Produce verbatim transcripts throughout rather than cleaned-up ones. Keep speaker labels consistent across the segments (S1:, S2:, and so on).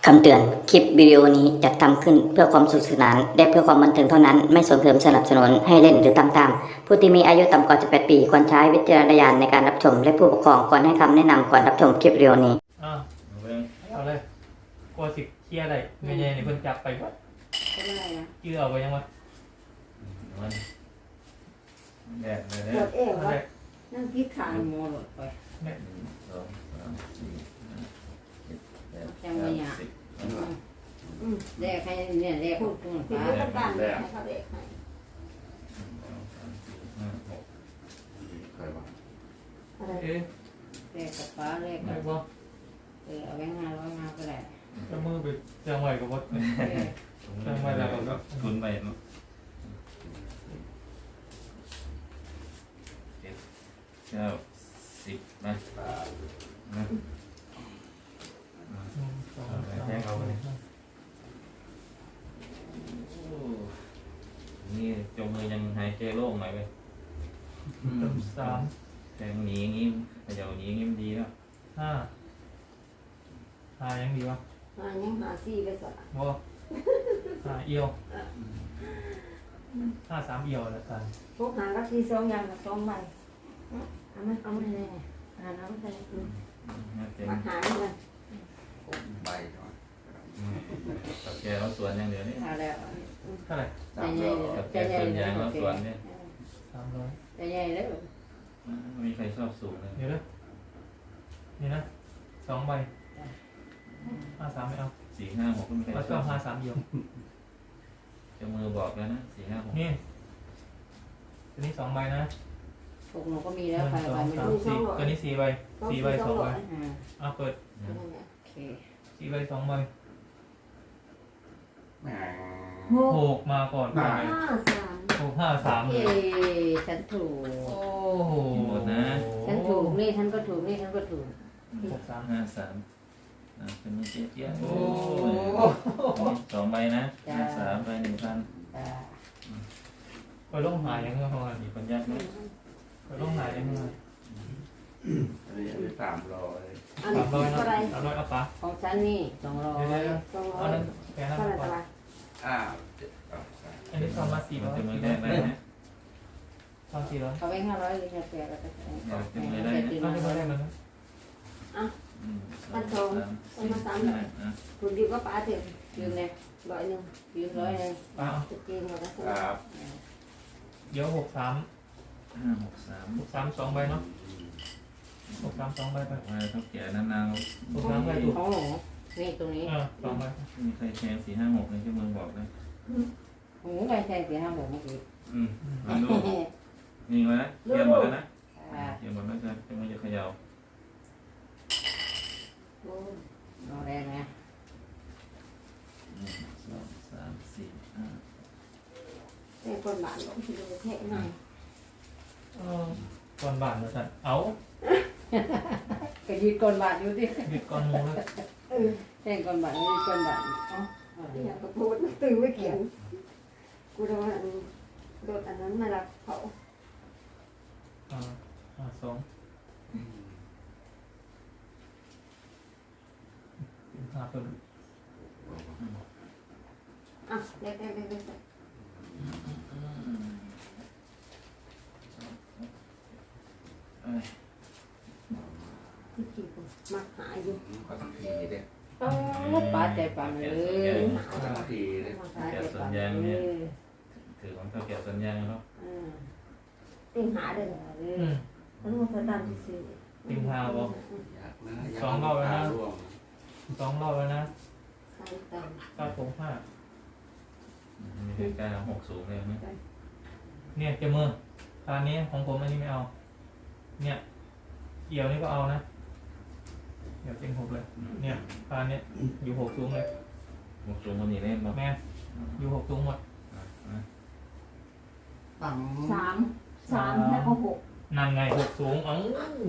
S1: คำเตือน คลิปวิดีโอนี้จัดทำขึ้นเพื่อความสนุขสนานและเพื่อความบันเทิงเท่านั้น ไม่ส่งเสริมสนับสนุนให้เล่นหรือตามตามผู้ที่มีอายุต่ำกว่าสิบแปดปีควรใช้วิจารณญาณในการรับชมและผู้ปกครองควรให้คำแนะนำก่อนรับชมคลิปวิดีโอนี้
S2: อ่า
S3: เอาเบิ่ง
S2: เอาเลยกลัวสิเคลียร์ได้เงี้ยๆนี่เพิ่นจับไปก่อน
S4: เป็นอะไรนะ
S2: ชื่อเอาไปยังวะ
S3: มันแดดเลย
S4: ป
S3: เนี่
S4: วย ดเอว
S2: เอา
S4: วะ
S2: เลย
S4: นั่งคิดขานโมหลดไป
S2: เนี่ย
S3: หนึ่งสองสามสี่ห้าเจ็ดแปด
S4: จังหวะ
S3: เก้า
S4: เนี่ย
S3: สิบ
S4: อืมแดกให้เนี่ยแดกพูดตรง
S5: พี่
S4: ฟ้า
S5: ก็ต้องการให้เขาเด็กให้
S3: หนึ่งสองสามสี่ห้าหก
S6: ใครวะ
S5: อะไร
S2: เอ๊ะ
S4: แดกกับฟ้าแดก
S2: ไหน
S4: กับ
S2: บ่
S4: เออเอาแบงค์ห้าร้อยมาก็ได้
S2: จะมือไปจังไหวกับบ่
S4: เออ
S2: จังไหวแล้วก็
S3: ทุนไปเนาะเจ็ดเก้าสิบมานะ
S2: หนึ่งสองสาม
S3: แทงเอาไปเลยโอ้นี่จมมือยังหายใจโล่งหน่อยเว้ย
S2: เติมสาม
S3: แทงหนีอย่างงี้เขย่าหนีอย่างงี้มันดีแล้ว
S2: ห้าหายังดีวะ
S5: หายังหาซี่ไปสละ
S2: บ่หาเอียวห้าสามเอียวแล้วกัน
S5: พวกหาก็ที่สองอย่างกับสองใบเอาไหมเอาไหม
S4: ไม่ได้
S5: หาน้ำไป
S3: น่าเต็ม
S5: มาหาเหมือนกัน
S6: ใบก่อน
S3: ตัดแกเราสวนอย่างเดียวนี่
S4: เอาแล้ว
S2: เท่าไหร่
S4: ใจใหญ่เลย
S3: ตัดแก
S4: ใจใหญ่
S3: ส่วน
S4: เลย
S3: ยางเราสวนเนี่ย
S2: สามร้อย
S4: ใจใหญ่เลย
S3: ไม่มีใครชอบสูงเลย
S2: เดี๋ยวเด้อนี่นะสองใบห้าสามไม่เอา
S3: สี่ห้าหกก็มีใคร
S2: แล้ว
S3: ช
S2: ก็
S3: อบ
S2: ห้าสามเอียว
S3: จะมือบอกแล้วนะสี่ห้าหก
S2: นี่ตัวนี้สองใบนะ
S4: พวกหนูก็มี
S2: ห
S4: แล้ว
S2: นึ่ง
S4: ใคร
S2: สอ
S4: ไป
S2: ง
S4: ไม่
S2: สาม
S4: รู้
S2: สี่ตัวนี้สี่ใบสี่ใบสองใบ
S4: อ่า
S2: เอาเปิด
S3: นะ
S4: โอเค
S2: สี่ใบสองใบ
S6: แหม
S2: หกมาก่อนไป
S5: ห้าสาม
S2: หกห้าสามเล
S4: เอ้
S2: ย
S4: ฉันถูก
S2: โอ้โห
S3: หมดนะ
S4: ฉันถูกนี่ฉันก็ถูกนี่ฉันก็ถูก
S2: หกสาม
S3: ห้าสามอ่ะเป็นมือเจี๊ยบเจี๊ยบ
S2: โอ้
S3: โอ้ยสองใบนะห้าสามใบหนึ่งพัน
S4: อ่า
S2: ไปลงหายยังไงประมาณ
S3: มีคนยากไหม
S2: ไปลงหายยังไง
S6: อันนี้อันนี้สามร้อย
S5: อัน
S2: สามร้อย
S5: นี้
S2: นะ
S5: เท่าไร
S2: สามร้อยเอาปะ
S4: ของฉันนี่สองร้อย
S2: เดี๋ยวเดี๋ยว
S5: สองร้อ
S2: เอา
S5: ย
S2: นั้นแกนั้น
S5: เท่าไหร่
S2: ก่อ
S5: เท่าน ไหร่
S6: อ้าวเจ็ดแปดสาม
S2: อันนี้สองมาสี่
S3: มั
S2: ร้
S3: น
S2: อย
S3: จะมือแรกได้นะ
S2: สองสี่ร้อย
S4: เอาไว้ห้าร้อยเลยจะแปลก็จะแปล
S3: เดี๋ยวจะมือได้นะ
S2: เอาที่มาได้มันนะ
S3: อืมสองสามสี่ห้าอ่ะ
S5: คุณดีก็ป้าถึง
S4: ยืมเลย
S5: ร้อยหนึ่ง
S4: ยืมร้อยเลย
S2: เอา
S5: จะกินหมดแล้ว
S6: ครับ
S2: เดี๋ยวหกสาม
S3: ห้าหกสาม
S2: หกสามสองใบเนาะหกสามสองใบไป
S3: ว่าเท่าแก่นาน
S2: หกสามใบถูก
S4: ของหนูนี่ตรงนี้
S2: เออสองใบ
S3: ๆมีใครแชร์สี่ห้าหกในที่มือบอกนะ
S4: หนูใครใช้สี่ห้าหกเมื่อกี้
S3: อืมลองดูนี่ไว้นะเคลียร์หมดแล้วนะเคลียร์หมดแล้วจะจะไม่จะเขย่า
S4: นอนแรงนะ
S3: หนึ่งสองสามสี่ห้า
S5: แต่คนบ้านลงที่ดูเท่หน่อย
S2: เออก่อนบาทแล้วกันเอา
S4: ก็ยืดก้นบาทอยู่ดิ
S2: หยุดก่อนมูเลย
S5: เออ
S4: แท่งก้นบาทยืดก้นบาทอ๋อ
S5: อยากกระพูดตื่นไม่เขียนกูโดนโดนอันนั้นมาละเขา
S2: อ่าอ่าสองห้าเพิ่ม
S5: อ่ะเด็กเด็กเด็กเด็ก
S3: เอ้ย
S5: ที่กี่คนมาหาอยู่
S6: ขอสักทีเด็ก
S4: โอ้ป้าใจปังเลย
S6: ขอสักทีเด็ก
S4: ป้าใจปังเลย
S3: ถือของเท่าแก่สัญญาณแล้ว
S4: อืม
S5: ติงหาเด้อ
S2: อืม
S5: มันมาตามที่ซื้อ
S2: ติงหาบอก
S6: อยากนะอยาก
S2: สองรอบแล้วนะ
S6: ร่วง
S2: สองรอบแล้วนะ
S5: สามตัน
S2: เก้าผมห้า
S3: มีใครกล้าหกสูงเลยไหม
S2: เนี่ยเจามือตอนนี้ของผมอันนี้ไม่เอา เนี่ยเอี่ยวนี่ก็เอานะเดี๋ยวเต็งหกเลย เนี่ยตอนนี้อยู่หกสูงเลย
S3: หกสูงคนนี้เล่นบ้าง
S2: แม่อยู่หกสูงหมด
S4: ปัง
S5: สามสามแล้วก็หก
S2: นั่นไงหกสูงเอ้า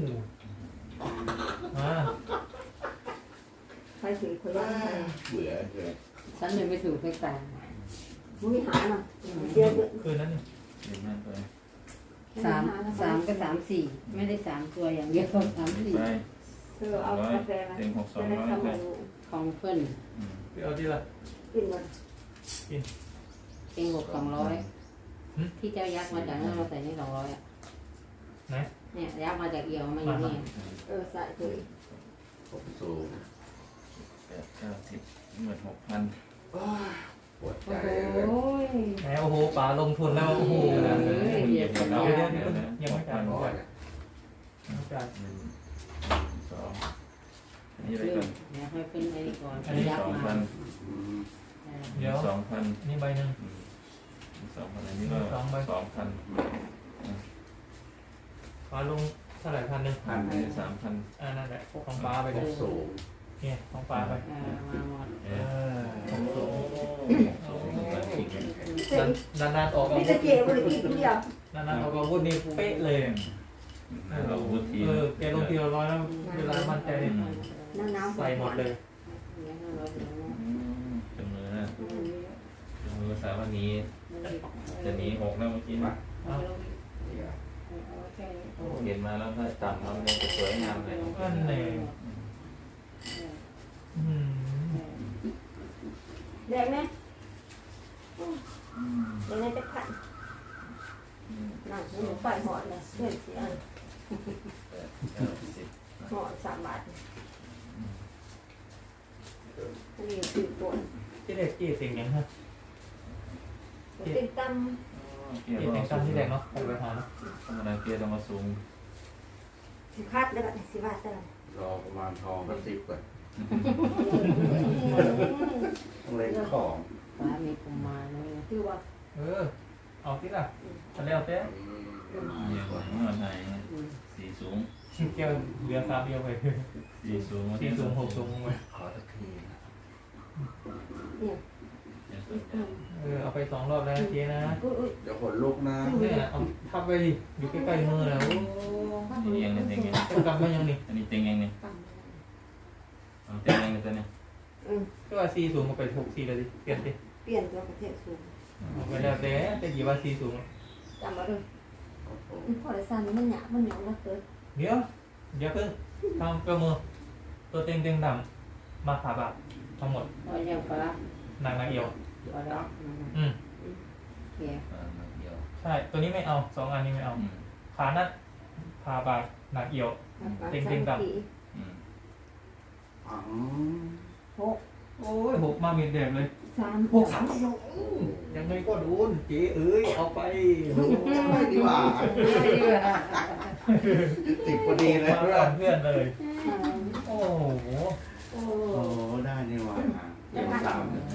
S2: มา
S5: ใครถือคนละใคร
S6: เบื่อเลย
S4: ฉันเลยไม่ถูกไม่ตาย
S5: มุ้ยหาหน่อยเดี๋ยว
S2: คืนนั้นนี่
S3: เล่นมากเลย
S4: สามสามก็สามสี่ไม่ได้สามตัวอย่างเดียวสาม
S3: ไม่
S4: สี่
S3: ไป
S5: เธอเอากาแฟมา
S3: เต็งหกสอง
S5: จะได้
S3: ร้อย
S5: ทำ
S3: ไป
S5: อะไร
S4: ของเพิ่น
S3: อืม
S2: ไปเอาที่ละ
S5: กินหมด
S4: เต็งหกสองร้อยที่เจ้ายักษ์มาจากนั่นมาใส่นี่สองร้อยอ่ะ
S2: ไหน
S4: เนี่ยยักษ์มาจากเอียวมาอยู่นี่
S5: เออใส่ถุย
S6: ผมสูง
S3: แปดเก้าสิบหมื่นหกพัน
S6: ปวดใจ
S4: โอ้
S6: เลย
S4: ย
S2: แหมโอ้โหป๋าลงทุนแล้วโอ้โห
S3: เดี๋ยวเดี๋ยวเดี๋ยวเดี๋ยว
S2: เดี๋ยวเดี๋ยว
S3: เดี๋ยวนะ
S2: ยังไม่จ่าย
S3: ห
S2: ก่
S3: ก
S2: อ
S3: พั
S2: น
S3: น
S2: ไม่จ่าย
S3: หนึ่งสองอันนี้ไป
S4: เดี๋
S3: ก่อน
S4: ยวให้เพิ่นไปก่อน
S3: อันนี้
S4: ยัก
S3: ส
S4: ษ์
S3: อง
S4: มา
S3: พัน
S6: อืม
S2: เดี๋ยว
S3: สองพัน
S2: อันนี้ใบหนึ่ง
S3: สองพันอันนี้ก็
S2: สองใบ
S3: สองพัน
S2: ป๋าลงเท่าไหร่พันหนึ่ง
S3: พันอันนี้สามพัน
S2: อ่านั่นแหละของป๋าไป
S6: ผ
S2: เลย
S6: มสูง
S2: เนี่ยของป๋าไป
S4: อ่ามาหมด
S3: เอ
S2: เอ
S3: อ
S2: อของสูง
S5: เสร็จ
S2: นานๆออกอา
S5: นี่
S2: วุ
S5: จะ
S2: ธ
S5: เกี่ยวเลยกินเดียวน
S2: านๆออกอาวุธนี่เป๊ะเลย
S3: เราวุฒิ
S2: เออแกลงทีละร้อยแล้วเวลามั่นใจ
S5: น้ำน้ำ
S2: ใส่หมดเลย
S3: จำมือนะจำมือสามวันนี้จะหนีหกแล้วเมื่อกี้นะ
S2: เอา
S3: เห็นมาแล้วถ้าจำแล้วมันจะสวยงามเลย
S2: อันไหนอืม
S5: แดงไหมแดงไหมจะขันนั่งหนูไปหอดเลยเพื่อนเสีย
S3: แปดเก้าสิบ
S5: หอดสามบาทอันนี้คือตัว
S2: ที่เด็กกี่เสียงยังฮะ
S5: ติดต
S3: เกีย
S2: กี่
S3: ร์
S2: เสียง
S3: ต้อง
S2: กัน
S3: สู
S2: ที่
S3: ง
S2: แดกเนาะไปหาเนาะ
S3: ธรรมดาเกียร์ต้องมาสูง
S5: ำสิคัดแล้วก็สิบาทได้
S6: รอประมาณทองก็สิบก่อนต้องเล่นของ
S4: ฟ้ามีกุมารด้วย
S5: คือว่า
S2: เออเอาที่ละทะเลเอาเต้
S3: เกียร์ก่อนเมื่อไหร่สีสูง
S2: เกี่ยวเหลือสามเดียวไป
S3: สีสูง
S2: สี่สูงหกสูงไป
S6: ขอสักทีนะ
S5: เนี่ย
S2: เออเอาไปสองรอบแล้วเจ๊นะ
S5: อุ้ยอุ้ย
S6: เดี๋ยวขนลุกนะ
S2: เนี่ยเอาทับไปดิอยู่ใกล้ๆมือแล้ว
S3: นี่ยังเนี่ยเต็งยัง
S2: ต้องกลับมายังนี่
S3: อันนี้เต็งยังเนี่ยเอาเต็งยังเนี่ยตัวเนี่ย
S5: อืม
S2: ก็ว่าสี่สูงมาไปหกสี่เลยดิเปลี่ยนดิ
S5: เปลี่ยนตัวประเทศสูง
S2: เอาไปแล้วแต่แต่กี่ว่าสี่สูง
S5: จำมาเลย
S6: โอ้โห
S5: พอได้สั่นมันหยาบมันเหนียวนะเกิด
S2: เดี๋ยวเดี๋ยวเพิ่งทำเกลือมือตัวเต็งเต็งดำมาขาบะทั้งหมด
S4: พอยังฟ้าน
S2: างนางเอียว
S4: พอแล้ว
S2: อืม
S4: เขีย
S3: อ่าเดียว
S2: ใช่ตัวนี้ไม่เอาสองอันนี้ไม่เอา
S3: อืม
S2: ขานั้นขาบะนางเอียว เต็งเต็งดำ
S3: อืม
S6: อ๋อ
S5: หก
S2: โอ้ยหกมาเมียนแดงเลย
S5: สาม
S2: หกสามเดียวยังไงก็โดนเจ๊เอ้ยเอาไปโดน
S6: ไม่ดีกว่าติดพอดีเลย
S2: มาก่อนเพื่อนเลย โอ้โห
S5: โอ้
S6: โอ้ได้นี่หว่าเดี๋ยวสามเนี่ย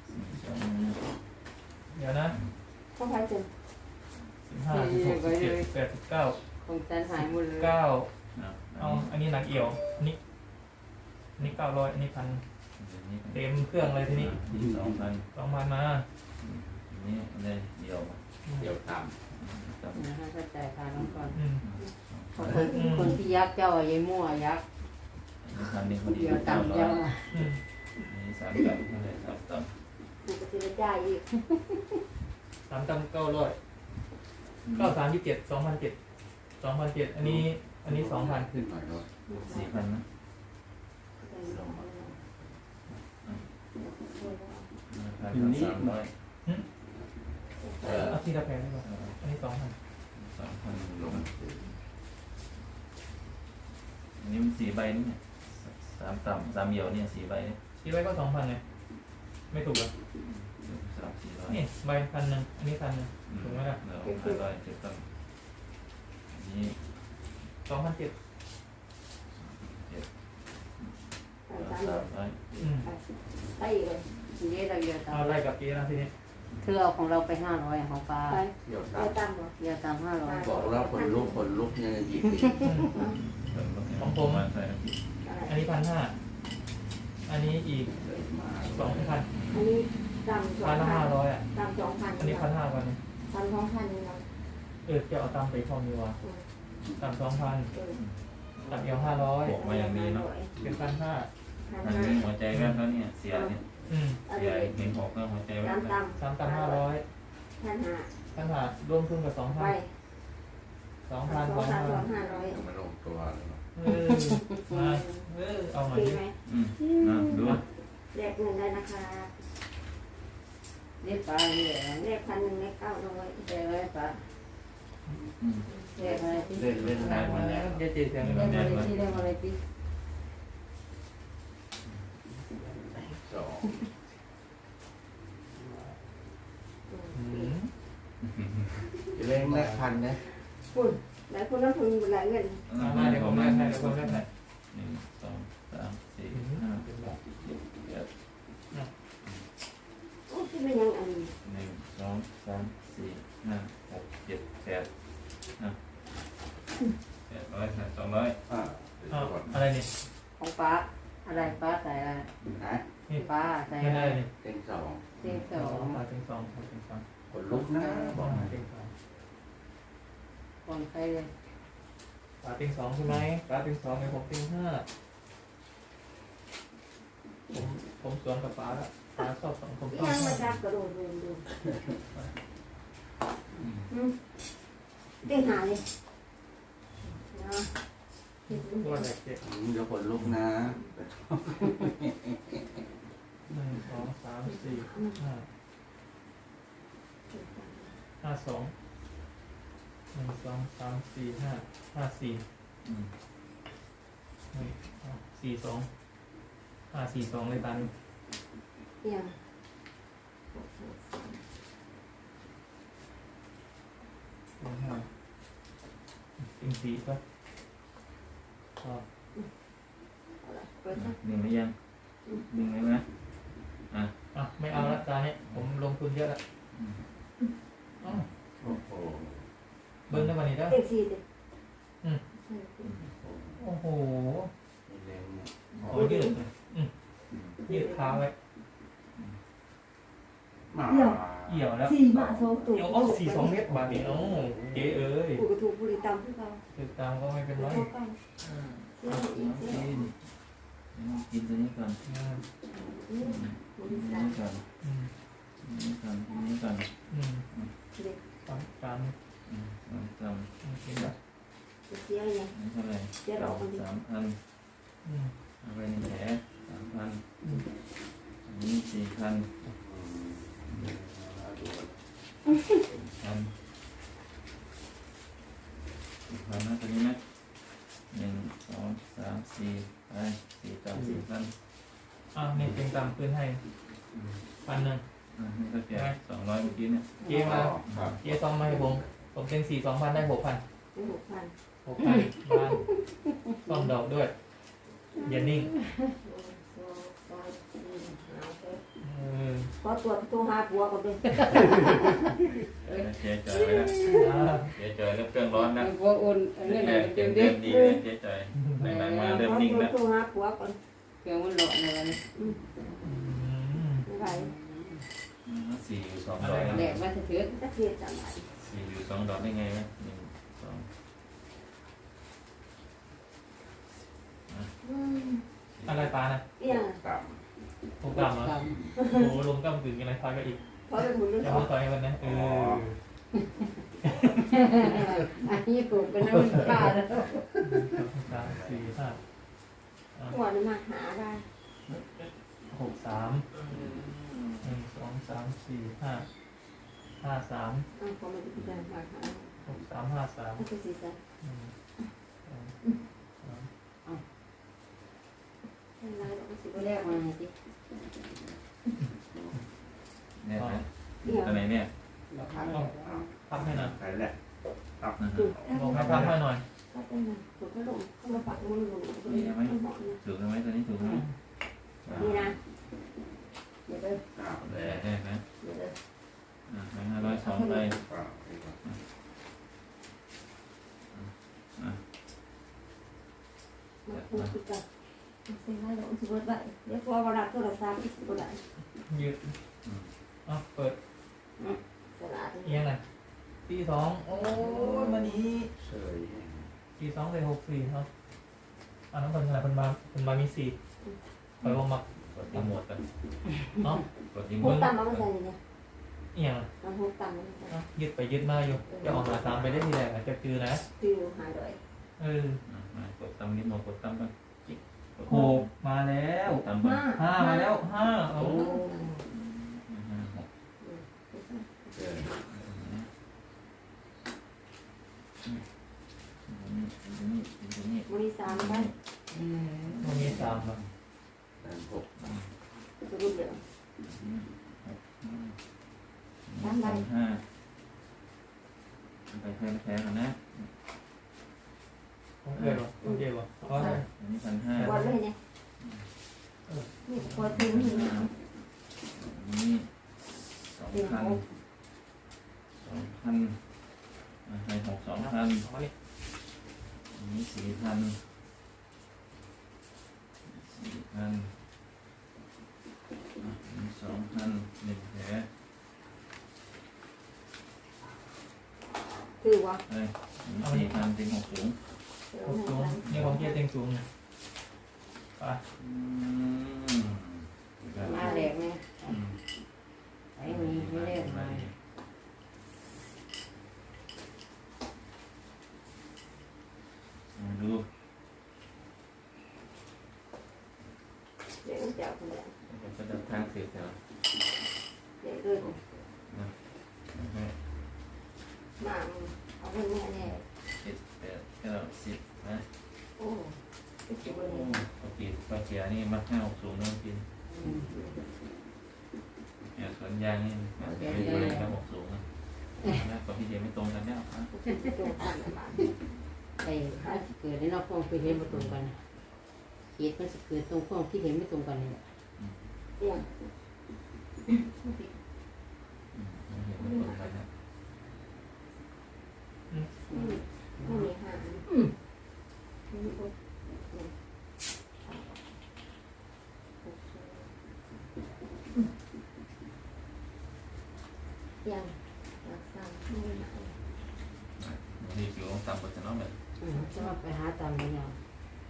S2: เดี๋ยวนะ
S5: เข้าไปจน
S2: สิบห้าสิบหกสิบเจ็ดสิบแปดสิบเก้า
S4: ของจันหายหมดเลย
S2: เก้า
S3: เอา
S2: เอาอันนี้หนักเอี่ยวอันนี้อันนี้เก้าร้อยอันนี้พันเต็มเครื่องเลยทีนี้
S3: สองพัน
S2: สองพันมา
S3: นี่เลยเดียว
S6: เดี๋ยวตาม
S3: จับ
S4: นะฮะเข้าใจค่ะน้องก่อน
S2: อืม
S4: คนที่ยักษ์เจ้าไอ้มั่วยักษ์
S3: พันนี้พอดี
S4: เดียว
S3: เก้า
S4: ต่ำ
S3: ร้อ
S4: เจ้าย
S2: อืม
S3: นี่สามตับนั่นเลยสามตับ
S5: กูก็จะจ่ายอีก
S2: สามตันเก้าร้อยเก้าสามยี่สิบเจ็ดสองพันเจ็ดสองพันเจ็ดอันนี้ อันนี้สองพัน
S6: ขึ้นหน่อยด้วย
S3: สี่พันนะพันสามร้อยเออ
S2: เอาที่ละแพงดีกว่าอันนี้สองพัน
S3: สองพันลงอันนี้มันสี่ใบนี่เนี่ยสามต่ำสามเหี่ยวเนี่ยสี่ใบเนี่ย
S2: ที่ไว้ก็สองพันไงไม่ถูกเหรอ
S3: สามสี่ร้อย
S2: นี่ใบพันหนึ่งอันนี้พันหนึ่ง ถูกไหมล่ะ
S3: เราห้าร้อยเจ็ดตังนี่
S2: สองพันเจ็ด
S5: สาม
S3: สามร้อย
S2: อืม
S5: ไปเลย
S4: นี่เราเยอะ
S2: เอา
S4: ตาม
S2: ไล่กับเจ๊นะทีนี้
S4: เธอเอาของเราไปห้าร้อยของปลา
S5: ไป
S6: เดี๋ยว
S5: ไป
S6: ตาม
S5: ตามเหรอ
S4: เยอะตามห้าร้อย
S6: บอกแล้วขนลุกขนลุกยังหยิบอีก
S3: ของผมมาใส่
S2: อันนี้พันห้าอันนี้อีก
S6: เดินมา
S2: สองพัน
S5: อันนี้ตามสอ
S2: พั
S5: ง
S2: นละ
S5: พั
S2: ห้าน ร้อยอ่ะ
S5: ตามสองพัน
S2: อันนี้พันห้าพัน
S5: ตามสองพันนี่เนาะ
S2: เออจะเอาตามไปพอมีวะตามสองพัน
S5: เออ
S2: ตามเอวห้าร้อย
S3: บอกมาอย่างดีเนาะ
S2: เป็นพันห้า
S5: พัน
S3: อัน
S5: ห้า
S3: นี้หัวใจแวบแล้วเนี่ยเสียเนี่ย
S2: อืม
S5: อัน
S3: เสีย
S5: นี้
S3: เห็นหกแล้วหัวใจแว
S5: ตา
S3: บ
S5: ม
S3: แล้ว
S5: ตาม
S2: สามตามห้าร้อย
S5: พันห้า
S2: พันห้ารวมทุนกับสองพั
S5: ไป
S2: นสองพัน
S5: ส
S2: ส
S5: อ
S2: อง ง
S5: พัน
S2: พัน
S5: สองห้าร้อย
S6: ยังไม่ลงตัวเลย
S2: เออมาเออเอา
S5: โอ
S2: หน่อ
S5: เค
S2: ยดิ
S5: ไหม
S3: อืมนะดู
S5: แลกเงินได้นะคะ
S4: เรียกปลาเรียก
S5: แลกพันหนึ่งแลกเก้าร้อย
S4: เรียกอะไรปลา
S3: อืม
S4: เรียกอะไรที่
S6: เล่นเล่นได้มาแล้ว
S2: เดี๋ยวเจอกัน
S4: เรียกอะไรที่เรียกอะไรที่
S6: สอง
S2: อืม
S6: จะเล่นแรกพันนะ
S5: คุณหลายคนนั้นคุณหลายเงิน
S2: เอามาเดี๋ยวผมแลกให้เดี๋ยวผมแลกให้
S3: หนึ่งสองสามสี่ห้าหกเจ็ดแปด
S5: โอ้ที่ไม่ยังอัน
S3: หนึ่งสองสามสี่ห้าหกเจ็ดแปดนะแปดร้อยสองร้อย
S6: อ่า
S2: เอาอะไรนี่
S4: ของปลาอะไรปลาใส่อะไร
S6: นะ
S4: ปลาใส่
S2: ไม่
S4: อะไร
S2: ได้นี่
S6: เต็งสอง
S4: เต็งส
S2: ส
S4: อ
S2: อง งมาถึงสองมาถึงสอง
S6: ขนลุกนะบอกให้
S2: เต็งสอง
S4: คนใครเลย
S2: ปลาเต็งสองใช่ไหมปลาเต็งสองในผมเต็งห้าผมผมสวนกับปลาละปลาชอบสองผมชอบ
S5: ยังมา
S2: ห้า
S5: จับกระโดดโดนดูเด้งหาเลยนะ
S2: ตัวแรกเจ็ด
S6: อืมเดี๋ยวขนลุกนะ
S2: หนึ่งสองสามสี่ห้าห้าสองหนึ่งสองสามสี่ห้าห้าสี่
S3: อืม
S2: หนึ่งสองสี่สองห้าสี่สองเลยตัน
S5: ยัง
S2: หนึ่งห้าเต็งสี่ก็พอ
S5: เปิดนะ
S3: หนึ่งหรือยังหนึ่งเลยนะอ่ะ
S2: อ่ะไม่เอาละตาเนี่ยผมลงทุนเยอะละอ้าว
S6: โอ้โห
S2: เบิ้งได้วันนี้ได้
S5: เด้งสี่เลย
S2: โอ้โห
S6: มีแรงเนี่ย
S2: ขอยืดเลยอืมยืดเท้าไว้
S6: มา
S2: เอี่ยวแล้ว
S5: สี่มาสองตัว
S2: เอี่ยวเอาสี่สองเมตรบาทนี่โอ้เก๋เอ้ย
S5: กูกระถูกบุรีตามที่เขา
S2: ติดตามก็ไม่เป็นไร
S5: เขาตั้งเสียอีกเสีย
S3: กินกินตัวนี้ก่อน
S2: อืม
S5: อืมบุ
S3: กิ
S5: รี
S3: นตัว
S5: ตาม
S3: นี้ก่อน
S2: อืม
S3: กินนี้ก่อนกินนี้ก่อน
S2: อืม
S5: เด็ก
S2: ตามตาม
S3: อืมสามสาม
S2: อืมกินละ
S5: เสียยัง
S3: นี่เท่าไหร่สามสามพัน
S2: อืม
S3: เอาไปในแผลสามพัน
S2: อืม
S3: อันนี้สี่พัน
S6: เอาดูก่อน
S3: พันสี่พันนะตัวนี้นะหนึ่งสองสามสี่ไปสี่ต่อสี่พัน
S2: อ้าวนี่เป็นตามคืนให้พันหนึ่ง
S3: อ่านี่ก็แจกสองร้อยเมื่อกี้เนี่ย
S2: เจ๊มา
S6: ครับ
S2: เจ๊ซองมาให้ผมผมเป็นสี่สองพันได้หกพัน
S5: เป็นหกพัน
S2: หกพันบ้านซ่อมดอกด้วยอย่านิ่ง
S5: สองสามสี่ห้าหก
S2: เออ
S5: ขอตรวจตัวหาผัวก่อนเลย
S3: เจ๊จอยไปแล้ว
S2: อ่า
S3: เจ๊จอยเริ่มเครื่องร้อนนะ
S4: พวกอุ่นเรื่อง
S3: แร
S4: อะไร
S3: กๆ
S4: เดี๋
S3: เริ่
S4: ยว
S3: ม
S4: เดี๋ยว
S3: ดีเลยเจ๊จอยหลังๆมา
S5: ข
S3: เริ่ม
S5: อ
S3: นิ่ง
S5: ตรว
S3: แล้
S5: จ
S3: ว
S5: ตัวหาผัวก่อน
S4: เครื่องมันหลอนอะไรนี่
S5: อืม
S2: อืม
S5: ไม่ไหว
S3: อืมสี่อยู่สองดอก
S4: แหลกมาเถื่อน
S5: จะเสียจังไหน
S3: สี่อยู่สองดอกได้ไงวะหนึ่งสอง
S5: อืม
S2: อะไรปลานะ
S5: เอี่ยง
S6: ต่
S2: ผมกลับเหรอ
S4: ตาม
S2: โอ้ลงกำกึ่งอะไรพาก็อีก
S5: ขอเป็นหมุนเรื่อง
S2: จะ
S5: ขอ
S2: มาต่อยมันนะเออ
S4: อันนี้ปลูกเป็นน้ำปลาแล้ว
S2: สามสี่ห้าอ่ะ
S5: หัวนี่มาหาได้
S2: หกสามหนึ่งสองสามสี่ห้าห้าสาม
S5: อ่าขอมาดูกันมาหา
S2: หกสามห้าสาม
S5: ไม่ใช่สิจ๊ะ
S2: หนึ่งสองสาม
S5: ไม่ไรหรอกไม่สิ
S4: ก็แรกมาสิ
S3: เนี่ยนะ
S5: เอี่ยง
S3: ตัวไหนเนี่ย
S2: พับให้หน่อย
S6: ำไปแหละ
S3: นะฮะ
S2: ลงให้พับให้หน่อย
S5: ก็เป็นนะถูกก็ลงเข้ามาปักมือลง
S3: นี่ไหมถูกไหมตัวนี้ถูกไหม
S5: นี่นะ
S4: เดี๋ยวเด้อ
S6: อ้าว
S3: แห
S6: แล้
S3: ล่ได้ไหม
S4: เดี๋ยวเด้อ
S3: อ่าห้าร้อยสองไป
S6: อ้าวนี่ก่อน
S5: มาพูดกันเซ็นให้เราอุบลไปเดี๋ยวพอเวลาโทรศัพท์อีกคนไหน
S2: ยืดอ่ะเปิด
S5: ตลาด
S2: เอียงหน่อยตีสองโอ้ยมานี้
S6: เฉย
S2: ตีสองเลยหกสี่ครับอันนั้นเป็นอะไรเป็นมาเป็นมามีสี่คอยว่ามัก
S3: กดรีโมทกัน
S2: เนาะ
S3: กดรี
S5: ห
S3: โม
S5: ก
S3: ท
S5: ต่ำมาไม่ใช่เนี่ย
S2: เอียง
S5: มันหกต่ำมาไม่ใช่
S2: อ่ะยืดไปยืดมาอยู่จะออกหาตามไปได้ทีแรกอาจจะคือนะ
S5: คือหายเลย
S2: เออ
S3: อ่ะมากดตั้มรีโมทกดตั้มกันจิ๊กก
S2: หกมาแล้ว
S3: ตามบ้า
S2: ห้ามาแล้วห้าโอ้
S3: ห้าหกเออนี่นี่นี่นี่
S5: บริสามไป
S4: อืม
S2: ตรงนี้สามแล้ว
S6: แปดหก
S5: สรุปเดี๋ยว
S3: สามห้าไปแพ้แพ้กันนะ
S2: ของเอ๋วะของเอ๋วะเพราะอะไร
S3: อันนี้พันห้า
S5: วันเลยเนี่ยนี่พอถึงนี่
S3: อันนี้สองพันสองพันให้หกสองพัน
S2: เอามานี่
S3: อันนี้สี่พันสี่พันอันนี้สองพันหนึ่งแผล
S5: ถือว่า
S3: เอ้ยอันนี้สี่พันเป็นหกสูง
S2: หกสูงนี่ของเจ๊เต็งสูงไป
S3: อืม
S4: มาแหลกเนี่ย
S3: อืม
S4: ไอ้มีไม่เรียกมา
S3: มาดู
S5: เดี๋ยวเจ้าคนเดียว
S3: ก็จะทางเสียแถว
S5: เดี๋ยวด้วย
S3: นะ
S5: มาเอาเงินแม่เนี่ย
S3: เจ็ดแปดเก้าสิบนะ
S5: โอ้ไม่คิด
S3: โอ้
S5: ว่าเนี่ย
S3: ปกติปลาเกียนี่มักห้าหกสูงน้องกิน
S4: อืม
S3: เนี่ยสวนยางนี่มันเป็นอะไรครับหกสูงนะนะกับพี่เดียไม่ตรงกันแล้วอ่ะ
S5: โจกันละบาท
S4: ไอ้ถ้าสิเกิดในนอกห้องไปเห็นไม่ตรงกันเหตุมันจะเกิดตรงห้องที่เห็นไม่ตรงกันนี่แหละ
S5: เอี่ยง
S3: อืมไม่เห็นไม่ตรงกันนะ
S5: ไม่มีหางยังรักษาไม่หาย
S3: นี่ผิวต่ำกว่าจะน้องแบบ
S4: อืมจะมาไปหาตามนี้เนาะ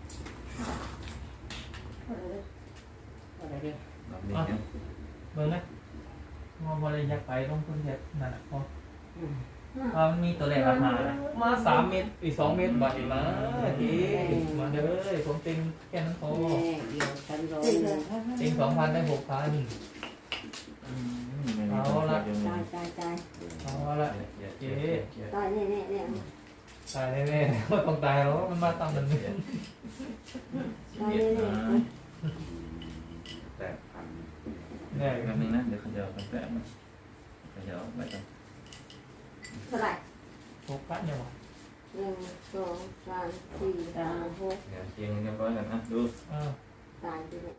S5: เออ
S4: อะไรเด้อ
S3: เราเด็กเนี่ย
S2: เบิ่งนะมองบริยักไปต้องคุณเฮ็ดนั่นแหละพอ
S4: อืม
S2: ว่ามันมีตัวเลขราคานะมาสามเมตรอีกสองเมตรบาทอีกมาทีมาเด้อผมเต็งแค่นั้นพอ
S4: แม่เดี๋ยวฉันรอ
S2: เต็งสองพันได้หกพัน
S3: อืมไม่มีตัวเดียว
S4: ตายตายตาย
S2: เอาละ
S3: เจ๊เจ๊
S5: ตายแน่แน่แน่
S2: ตายแน่ๆว่าต้องตายแล้วมันมาตามมันเนี่ย
S5: ตายแน่แน่
S6: แปดพัน
S2: แน่
S3: แป๊บนึงนะเดี๋ยวเขาจะเอาแปะมาเขาจะเอาไปจัง
S5: เท่าไหร่
S2: หกพันยังวะ
S5: หนึ่งสองสามสี่ห้าหก
S3: เดี๋ยวเกียงเรียบร้อยกันนะดู
S2: อ่า
S5: ตายไปเลย